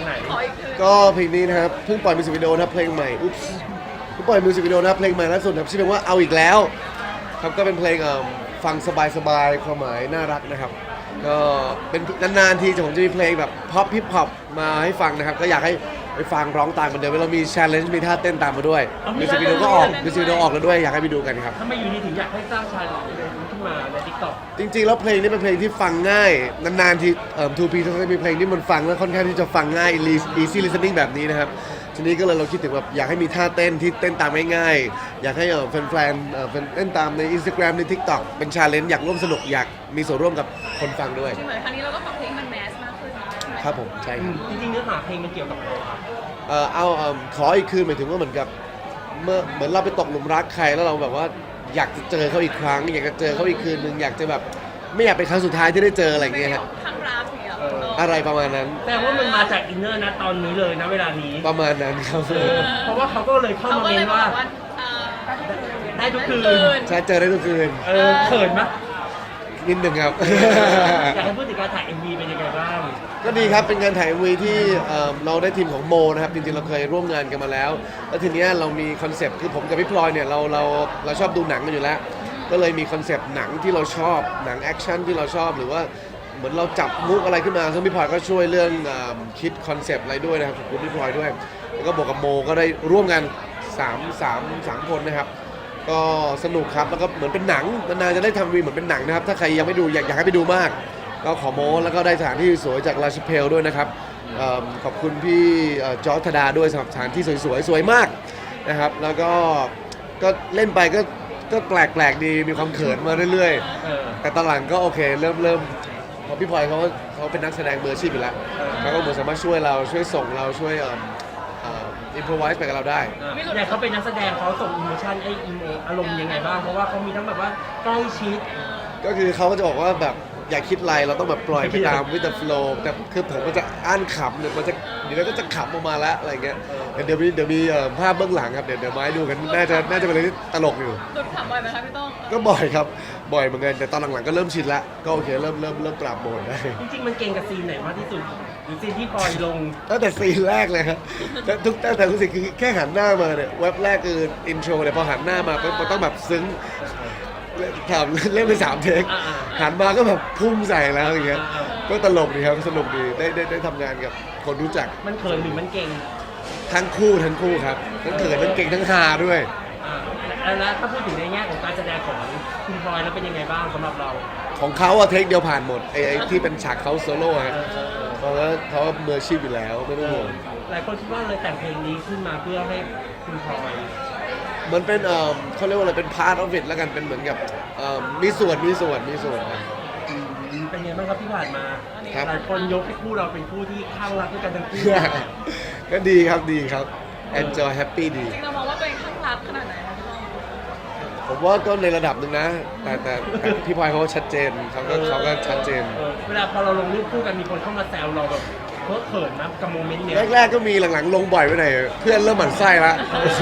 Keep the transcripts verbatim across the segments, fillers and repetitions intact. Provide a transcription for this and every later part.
ไหนก็เพลงนี้นะครับเพิ่งปล่อยมิวสิกวิดีโอนะครับเพลงใหม่อุ๊บเพิ่งปล่อยมิวสิกวิดีโอนะครับเพลงใหม่ล่าสุดครับชื่อเพลงว่าเอาอีกแล้วครับก็เป็นเพลงฟังสบายๆความหมายน่ารักนะครับก็เป็นนานๆทีผมจะมีเพลงแบบพ็อปฮิปฮอปมาให้ฟังนะครับก็อยากให้ไปฟังร้องตามกันเดิมเรามี challenge มีท่าเต้นตามมาด้วยมิวสิกวิดีโอก็ออกมิวสิกวิดีโอออกแล้วด้วยอยากให้ไปดูกันครับถ้าไม่อยู่นี่ถึงอยากให้สร้างชาเลนจ์ขึ้นมาใน ทิกต็อกจริงๆแล้วเพลงนี้เป็นเพลงที่ฟังง่ายนานๆทีเอ่อ ทู พี เขาจะมีเพลงที่มันฟังแล้วค่อนข้างที่จะฟังง่าย easy listening แบบนี้นะครับทีนี้ก็เลยเราคิดถึงแบบอยากให้มีท่าเต้นที่เต้นตามง่ายๆอยากให้เอ่อแฟนๆเอ่อเต้นตามใน Instagram ใน TikTok เป็น challenge อยากร่วมสนุกอยากมีส่วนร่วมกับคนฟังด้วยเหมือนครั้งนี้เราก็ปรับเพลงมันแมสมากขึ้นใช่ไหมครับผมใช่ครับจริงๆเนื้อหาเพลงมันเกี่ยวกับอะไรครับเอ่อเอาเอิ่มขออีกคืนหมายถึงว่าเหมือนกับเมื่อเหมือนเราไปตกหลุมรักใครแล้วเราแบบว่าอยากจะเจอเขาอีกครั้งอยากจะเจอเขาอีกคืนนึงอยากจะแบบไม่อยากเป็นครั้งสุดท้ายที่ได้เจออะไรอย่างเงี้ยฮะทางรักเนี่ยอะไรประมาณนั้นแต่ว่ามันมาจากอินเนอร์นะตอนนี้เลยนะเวลานี้ประมาณนั้นครับเพราะว่าเขาก็เลยเข้าเขามาก็เมเลยนบอว่ากว่าเอ่อได้ทุกคืนใช่เจอได้ทุกคืนเออเขินไหมนิดหนึ่งครับอยากให้พูดถึงการถ่าย เอ็ม วี เป็นยังไงบ้างก็ดีครับเป็นการถ่าย เอ็ม วี ที่เอ่อเราได้ทีมของโมนะครับจริงๆเราเคยร่วมงานกันมาแล้วแล้วทีเนี้ยเรามีคอนเซปต์คือผมกับพี่พลอยเนี่ยเราเราเราชอบดูหนังกันอยู่แล้ว ก็เลยมีคอนเซปต์หนังที่เราชอบหนังแอคชั่นที่เราชอบหรือว่าเหมือนเราจับมุกอะไรขึ้นมาซึ่งพี่พลอยก็ช่วยเรื่องเอ่อคิดคอนเซปต์อะไรด้วยนะครับขอบคุณพี่พลอยด้วยแล้วก็บอกกับโมก็ได้ร่วมกันสาม สาม สามคนนะครับก็สนุกครับแล้วก็เหมือนเป็นหนังนานๆจะได้ทำวีเหมือนเป็นหนังนะครับถ้าใครยังไม่ดูอยากอยากให้ไปดูมาก ก็ขอโม้แล้วก็ได้สถานที่สวยจากลาชเพลด้วยนะครับเอิ่มขอบคุณพี่เอ่อจอร์จธดาด้วยสำหรับสถานที่สวยๆสวยมากนะครับแล้วก็ก็เล่นไปก็ก็แปลกๆดีมีความเขินมาเรื่อยเออๆ แต่ตอนหลังก็โอเคเริ่มเริ่มเพราะพี่พลอยเขาเขาเป็นนักแสดงมืออาชีพอยู่แล้วเขาก็เหมือนสามารถช่วยเราช่วยส่งเราช่วยเอ่อเอ่ออินพรไวส์ไปกับเราได้เนี่ยเขาเป็นนักแสดงเขาส่งอิโมชันไออิโมอารมณ์ยังไงบ้าง เพราะว่าเขามีทั้งแบบว่าใกล้ชิดก็คือเขาก็จะบอกว่าแบบอย่าคิดอะไรเราต้องแบบปล่อยไปตามวิถีโฟล์แต่คือผมก็จะอ่านขำเนี่ยมันจะเดี๋ยวเราก็จะขำออกมาแล้วอะไรเงี้ยเดี๋ยวมีเดี๋ยวมีเอ่อภาพเบื้องหลังครับเดี๋ยวเดี๋ยวมาให้ดูกันน่าจะน่าจะเป็นอะไรที่ตลกอยู่หลุดขำบ่อยไหมคะพี่ต้องก็บ่อยครับบ่อยเหมือนกันแต่ตอนหลังๆก็เริ่มชินละก็โอเคเริ่มเริ่มเริ่มปรับโหมดได้จริงๆมันเก่งกับซีนไหนมากที่สุดหรือซีนที่ปล่อยลงตั้งแต่ซีนแรกเลยครับแต่ทุกตั้งแต่ทุกสิ่งคือแค่หันหน้ามาเนี่ยเว็บแรกคืออินโทรเนี่ยพอหันหน้ามาปุ๊บมันต้องแบบซึ้งถามเล่นไปสามเทคอ่าหันมาก็แบบพุ่งใส่แล้วอย่างเงี้ยอ่าก็ตลกดีครับสนุกดีได้ได้ได้ทำงานกับคนรู้จักมันเขินหรือมันเก่งทั้งคู่ทั้งคู่ครับทั้งเขินทั้งเก่งทั้งฮาด้วยอ่าแล้วแล้วถ้าพูดถึงในแง่ของการแสดงของคุณพลอยแล้วเป็นยังไงบ้างสำหรับเราของเขาอะเทคเดียวผ่านหมดไอ้ไอ้ที่เป็นฉากเขาโซโล่ฮะเออเออเพราะว่าเขามืออาชีพอยู่แล้วไม่ต้องห่วงหลายคนคิดว่าเลยแต่งเพลงนี้ขึ้นมาเพื่อให้คุณพลอยมันเป็นเอ่อเขาเรียกว่าอะไรเป็นพาร์ทออฟฟิศแล้วกันเป็นเหมือนกับเอ่อมีส่วนมีส่วนมีส่วนครับอืมเป็นไงบ้างครับที่ผ่านมาครับหลายคนยกให้คู่เราเป็นคู่ที่ข้างรักด้วยกันทั้งคู่ก็ดีครับดีครับ enjoy happy ดีจริงเรามองว่าตัวเองข้างรักขนาดไหนคะพี่ต้องผมว่าก็ในระดับหนึ่งนะ แต่แต่แต่พี่พลอยเขาก็ชัดเจนเขาก็เขาก็ชัดเจนเออเวลาพอเราลงรูปคู่กันมีคนเข้ามาแซวเราแบบเพ้อเขินนะกับโมเมนต์เนี้ยแรกๆก็มีหลังๆลงบ่อยไปหน่อยเพื่อนเริ่มหมั่นไส้ละ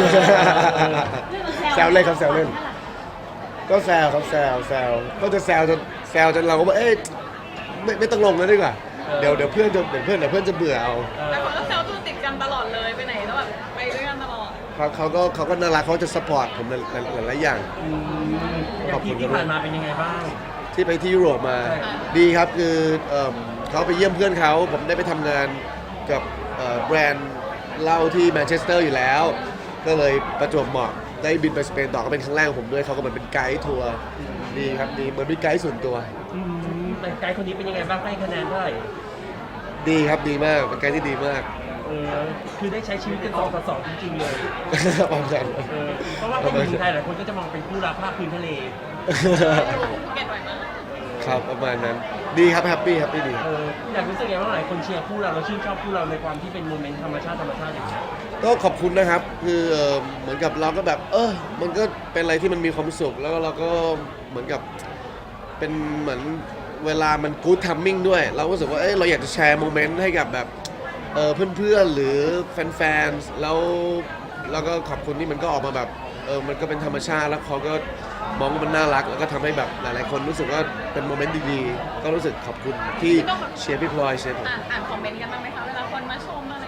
แซวเล่นครับแซวเล่น ก็แซวครับแซวแซวก็จะแซวจนแซวจนเราก็บอกเอ๊ะไม่ไม่ต้องลงแล้วดีกว่าเดี๋ยวเดี๋ยวเพื่อนจะเดี๋ยวเพื่อนเดี๋ยวเพื่อนจะเบื่อเอาแต่คนก็แซวตัวติดกันตลอดเลยไปไหนแล้วแบบไปด้วยกันตลอดเขาเขาก็เขาก็น่ารักเขาจะสปอร์ตผมหลายหลายหลายอย่างอืมอย่างที่ที่ผ่านมาเป็นยังไงบ้างที่ไปที่ยุโรปมาใช่ดีครับคือเอิ่มเขาไปเยี่ยมเพื่อนเขาผมได้ไปทำงานกับเอ่อแบรนด์เหล้าที่แมนเชสเตอร์อยู่แล้ว ก็เลยประจวบเหมาะได้บินไปสเปนต่อก็เป็นครั้งแรกของผมด้วยเขาก็เหมือนเป็นไกด์ทัวร์ดีครับดีเหมือนเป็นไกด์ส่วนตัวอืมแต่ไกด์คนนี้เป็นยังไงบ้างให้คะแนนเท่าไหร่ดีครับดีมากเป็นไกด์ที่ดีมากเออคือได้ใช้ชีวิตกันสองต่อสองจริงๆเลยประมาณเออเพราะว่าเป็นหญิงไทยหลายคนก็จะมองเป็นคู่รักภาคพื้นทะเลเก็ตไหวมากครับประมาณนั้นดีครับแฮปปี้แฮปปี้ดีเอออยากรู้สึกไงว่าหลายคนเชียร์คู่เราเราชื่นชอบคู่เราในความที่เป็นโมเมนต์ธรรมชาติธรรมชาติอย่างเงี้ยก็ขอบคุณนะครับคือเอ่อเหมือนกับเราก็แบบ เออมันก็เป็นอะไรที่มันมีความสุขแล้วเราก็เหมือนกับเป็นเหมือนเวลามันกู๊ดทัมมิ่งด้วย เราก็รู้สึกว่าเอ้ยเราอยากจะแชร์โมเมนต์ให้กับแบบเออเพื่อนๆหรือแฟนๆแล้วแล้วก็ขอบคุณที่มันก็ออกมาแบบเออมันก็เป็นธรรมชาติแล้วเขาก็มองว่ามันน่ารักแล้วก็ทำให้แบบหลายๆคนรู้สึกว่าเป็นโมเมนต์ดีๆก็รู้สึกขอบคุณที่เชียร์พี่พลอยเชียร์ผมอ่านอ่านคอมเมนต์กันบ้างไหมคะเวลาคนมาชมอะไร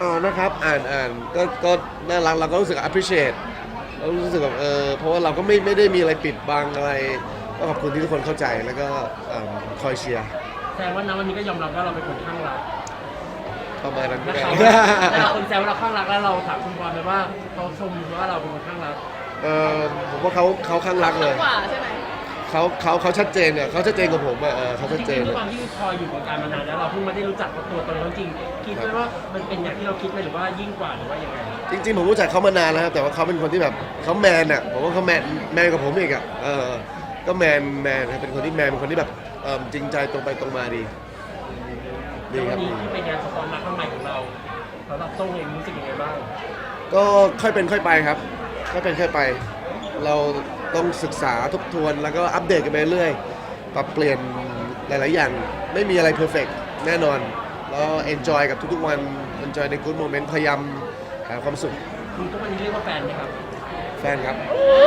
อ๋อนะครับอ่านอ่านก็ก็น่ารักเราก็รู้สึก appreciate เรารู้สึกแบบเออเพราะว่าเราก็ไม่ไม่ได้มีอะไรปิดบังอะไรก็ขอบคุณที่ทุกคนเข้าใจแล้วก็เอิ่มคอยเชียร์แสดงว่าณวันนี้ก็ยอมรับว่าเราเป็นคนข้างรักประมาณนั้นแล้วก็เขาแล้วคนแซวว่าเราข้างรักแล้วเราถามคุณบอลไปว่าเขาชมว่าเราเป็นคนข้างรักเออผมว่าเขาเขาข้างรักเลยกว่าใช่ไหมเขาเขาเขาชัดเจนเนี่ยเขาชัดเจนกับผมอะเออเขาชัดจเจรินงๆด้วยอะความที่พลอยอยู่วงการมานานแล้วเราเพิ่งมาได้รู้จักตัวตนเขาจริงคิดไหมว่ามันเป็นอย่างที่เราคิดไหมหรือว่ายิ่งกว่าหรือว่ายังไงจริงๆผมรู้จักเขามานานแล้วครับแต่ว่าเขาเป็นคนที่แบบเขาแมนอ่ะผมว่าเขาแมนแมนกว่าผมอีกอ่ะเออก็แมนแมนครับเป็นคนที่แมนเป็นคนที่แบบเออจริงใจตรงไปตรงมาดีดีแล้วควัรับนนี้ดีที่เป็นงานสปอนรักข้างใหม่ของเราสำหรับโต้งเองรู้สึกยังไงบ้างก็ค่อยเป็นค่อยไปครับค่อยเป็นค่อยไป เราต้องศึกษาทบทวนแล้วก็อัปเดตกันไปเรื่อยปรับเปลี่ยนหลายๆอย่างไม่มีอะไรเพอร์เฟกแน่นอนแล้วเอนจอยกับทุกๆวันเอนจอยในกู๊ดโมเมนต์พยายามหาความสุขคุณทุกวันนี้เรียกว่าแฟนไหมครับแฟนครับ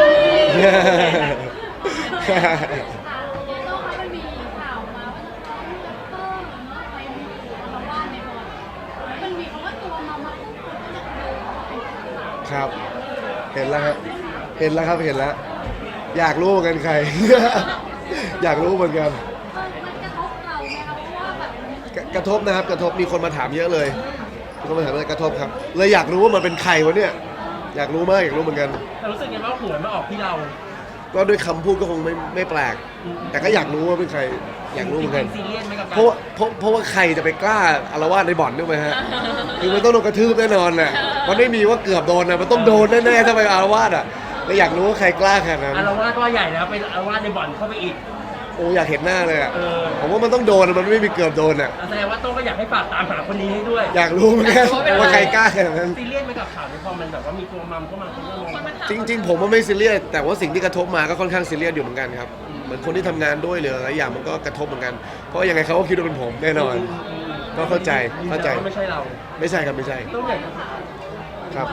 ค่ะเยโต้คะมันมีข่าวมาว่าจะต้องเลิกเพิ่มเนาะไปมีคำว่าในบอลมันมีคำว่าตัวมามาปุ๊บคนก็จะเดินเข้าไปหาเราครับ เห็นแล้วครับ เห็นแล้วครับ เห็นแล้ว อยากรู้เหมือนกันใคร อยากรู้เหมือนกันเออมันกระทบเราไหมคะเพราะว่าแบบกระกระทบนะครับ กระทบ มีคนมาถามเยอะเลยมีคนมาถามเลยกระทบครับ เลยอยากรู้ว่ามันเป็นใครวะเนี่ย อยากรู้มาก อยากรู้เหมือนกันแต่รู้สึกยังไงว่าหัวมาออกที่เราก็ด้วยคำพูดก็คงไม่ไม่แปลก แต่ก็อยากรู้ว่าเป็นใคร อยากรู้เหมือนกันจริงๆซีเรียสไหมกับการเพราะว่าเพราะเพราะว่าใครจะไปกล้าอารวาสในบ่อนด้วยไหมฮะ คือมันต้องโดนกระทืบแน่นอนแหละมันไม่มีว่าเกือบโดนนะมันต้องโดนแน่ๆถ้าไปอารวาสอ่ะแล้วอยากรู้ว่าใครกล้าขนาดนั้นอารวาสก็ใหญ่แล้วไปอารวาสในบ่อนเข้าไปอีกโอ้อยากเห็นหน้าเลยอ่ะเออผมว่ามันต้องโดนอะมันไม่มีเกือบโดนอ่ะแสดงว่าโต้งก็อยากให้ฝากตามหาคนนี้ให้ด้วยอยากรู้เหมือนกันว่าใครกล้าขนาดนั้นซีเรียสไหมกับข่าวที่พอมันแบบว่ามีตัวมัมเข้ามาคนก็มองคนมันถามจริง ๆ ผมว่าไม่ซีเรียสแต่ว่าสิ่งที่กระทบมาก็ค่อนข้างซีเรียสอยู่เหมือนกันครับเหมือนคนที่ทำงานด้วยหรืออะไรอย่างมันก็กระทบเหมือนกัน เพราะยังไงเขาก็คิดว่าเป็นผมแน่นอน ก็เข้าใจเข้าใจยืนยันว่าไม่ใช่เราไม่ใช่ครับไม่ใช่ต้องอยากครับ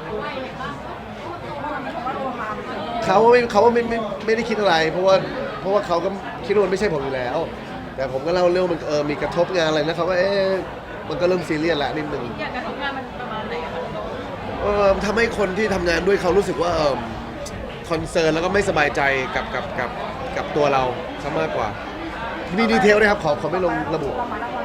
เขาไม่เขาว่าไม่ไม่ไม่ได้คิดอะไร เพราะว่าเพราะว่าเขาก็คิดว่ามันไม่ใช่ผมอยู่แล้ว แต่ผมก็เล่าเรื่องมันเออมีกระทบงานอะไรนะเขาก็เอ๊ะมันก็เริ่มซีเรียสแล้วนิดนึงอยากกระทำงานมันประมาณไหนอะคะโต้เออทำให้คนที่ทำงานด้วยเขารู้สึกว่าเออคอนเซิร์นแล้วก็ไม่สบายใจกับกับกับกับตัวเราซะมากกว่ามีดีเทลด้วยครับขอขอไม่ลงระบุ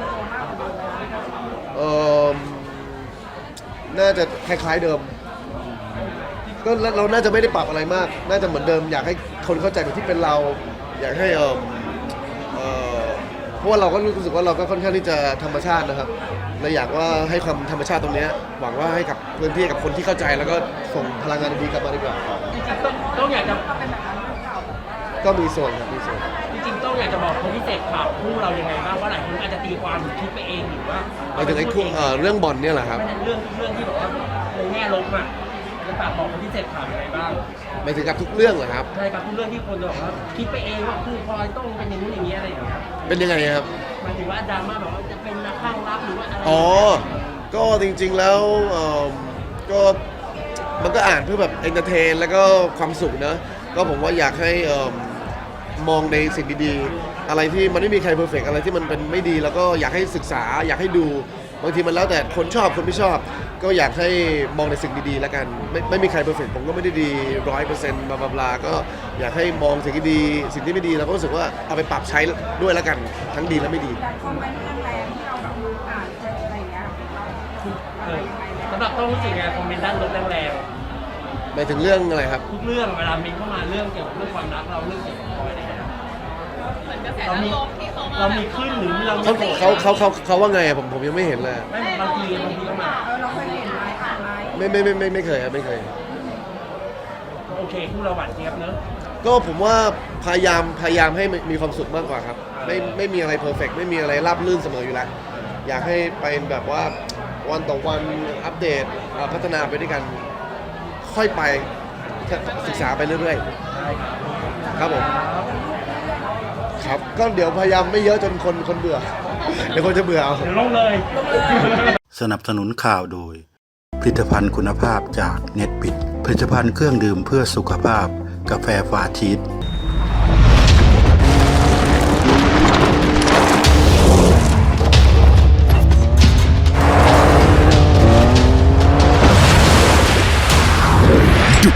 เออน่าจะคล้ายๆเดิม ก็เราน่าจะไม่ได้ปรับอะไรมาก น่าจะเหมือนเดิม อยากให้คนเข้าใจแบบที่เป็นเรา อยากให้เออเออเพราะว่าเราก็รู้สึกว่าเราก็ค่อนข้างที่จะธรรมชาตินะครับเลยอยากว่าให้ความธรรมชาติตรงเนี้ยหวังว่าให้กับพื้นที่กับคนที่เข้าใจแล้วก็ส่งพลังงานดีๆกลับมาดีกว่าจริงๆต้องต้องอยากจะก็มีส่วนครับมีส่วนจริงๆต้องอยากจะบอกคนที่เสพข่าวคู่เรายังไงบ้างว่าหลายคนอาจจะตีความหรือคิดไปเองหรือว่าหมายถึงไอ้คู่เอ่อเรื่องบอลเนี่ยแหละครับไม่ใช่เรื่องเรื่องที่แบบว่าในแง่ลบอ่ะจะฝากบอกคนที่เสพข่าวยังไงบ้างหมายถึงกับทุกเรื่องเหรอครับใช่ครับทุกเรื่องที่คนจะบอกว่าคิดไปเองว่าคู่พลอยต้องเป็นอย่างนู้นอย่างนี้อะไรอย่างเงี้ยเป็นยังไงครับหมายถึงว่าดราม่าแบบว่าจะเป็นนักข้างรักหรือว่าอะไรอ๋อ ก็จริงๆแล้วเอิ่มก็มันก็อ่านเพื่อแบบเอนเตอร์เทนแล้วก็ความสุขนะ ก็ผมว่าอยากให้เอิ่มมองในสิ่งดีๆ อะไรที่มันไม่มีใครเพอร์เฟกอะไรที่มันเป็นไม่ดีแล้วก็อยากให้ศึกษา อยากให้ดูบางทีมันแล้วแต่คนชอบคนไม่ชอบ ก็อยากให้มองในสิ่งดีๆแล้วกันไม่ไม่มีใครเพอร์เฟกผมก็ไม่ได้ดีร้อยเปอร์เซ็นต์บลาบลาก็อยากให้มองสิ่งที่ดี สิ่งที่ไม่ดีเราก็รู้สึกว่าเอาไปปรับใช้ด้วยแล้วกันทั้งดีและไม่ดีคอมเมนต์แรงๆที่เราดูอ่านเจออะไรอย่างเงี้ยเราเออสำหรับต้องรู้สึกไงคอมเมนต์ด้านลบแรงหมายถึงเรื่องอะไรครับๆทุกเรื่องเวลาเมนเข้ามาเรื่องเกี่ยวกับเรื่องความรักเราเรื่องเกี่ยวกับพลอยอะไรอย่างเงี้ยเหมือนกระแสเราด้านมีลบที่เขามาเรามีขึ้นหรือเรามีเขาโกรธเขาเขาเขาเขาว่าไงอะผมผมยังไม่เห็นเลยไม่บางทีบางทีก็มาเออเราเคยเห็นไหมอ่านไหมไม่ไม่ไม่ไม่ไม่เคยครับไม่เคยโอเคคู่เราหวานเจี๊ยบเนอะก็ผมว่าพยายามพยายามให้มีความสุขมากกว่าครับ ไม่ไม่มีอะไรเพอร์เฟกไม่มีอะไรราบรื่นเสมออยู่แล้ว อยากให้เป็นแบบว่าวันต่อวันอัปเดตเอ่อพัฒนาไปด้วยกัน ค่อยไปศึกษาไปเรื่อยๆ ครับผม ครับก็เดี๋ยวพยายามไม่เยอะจนคนคนเบื่อ เดี๋ยวคนจะเบื่อเอาเดี๋ยวลงเลยสนับสนุนข่าวโดย ผลิตภัณฑ์คุณภาพจากเน็ตบิดผลิตภัณฑ์เครื่องดื่มเพื่อสุขภาพกาแฟฟาชีส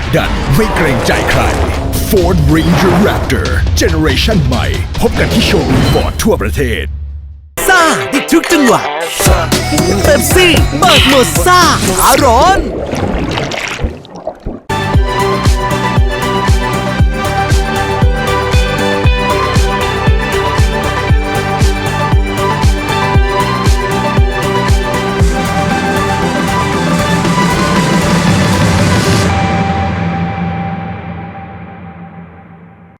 ดันไม่เกรงใจใคร Ford Ranger Raptor Generation ใหม่พบกันที่โชว์รูมฟอร์ดทั่วประเทศซ่าได้ทุกจังหวะเป๊ปซี่เปิดโหมดซ่าขาร้อน